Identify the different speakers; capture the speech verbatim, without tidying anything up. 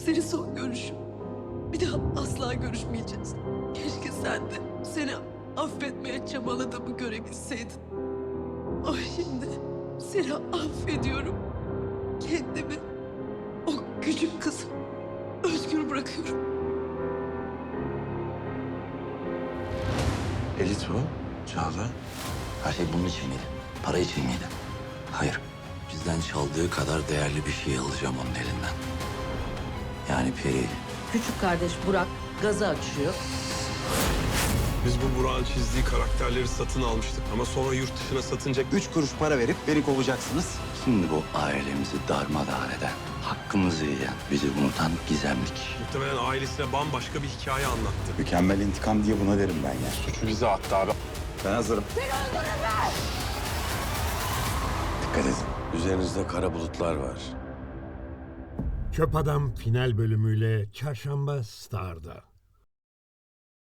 Speaker 1: Seni son görüşüm. Bir daha asla görüşmeyeceğiz. Keşke sen de seni affetmeye çabaladığımı görebilseydin. Ama şimdi seni affediyorum. Kendimi, o küçük kızı özgür bırakıyorum.
Speaker 2: Elit bu. Çağla.
Speaker 3: Her şey bunun için miydi? Para için miydi? Hayır. Bizden çaldığı kadar değerli bir şey alacağım onun elinden. Yani Peri.
Speaker 4: Küçük kardeş Burak gazı açıyor.
Speaker 5: Biz bu Burak'ın çizdiği karakterleri satın almıştık. Ama sonra yurt dışına satınca
Speaker 2: Üç kuruş para verip beni kovacaksınız.
Speaker 3: Şimdi bu ailemizi darmadağın eden, hakkımızı yiyen, bizi unutan gizemli kişi.
Speaker 5: muhtemelen ailesine bambaşka bir hikaye anlattı.
Speaker 2: Mükemmel intikam diye buna derim ben ya.
Speaker 5: Suçu bize attı abi.
Speaker 2: Ben hazırım. Dikkat edin.
Speaker 6: Üzerinizde kara bulutlar var.
Speaker 7: Çöp Adam final bölümüyle Çarşamba Star'da.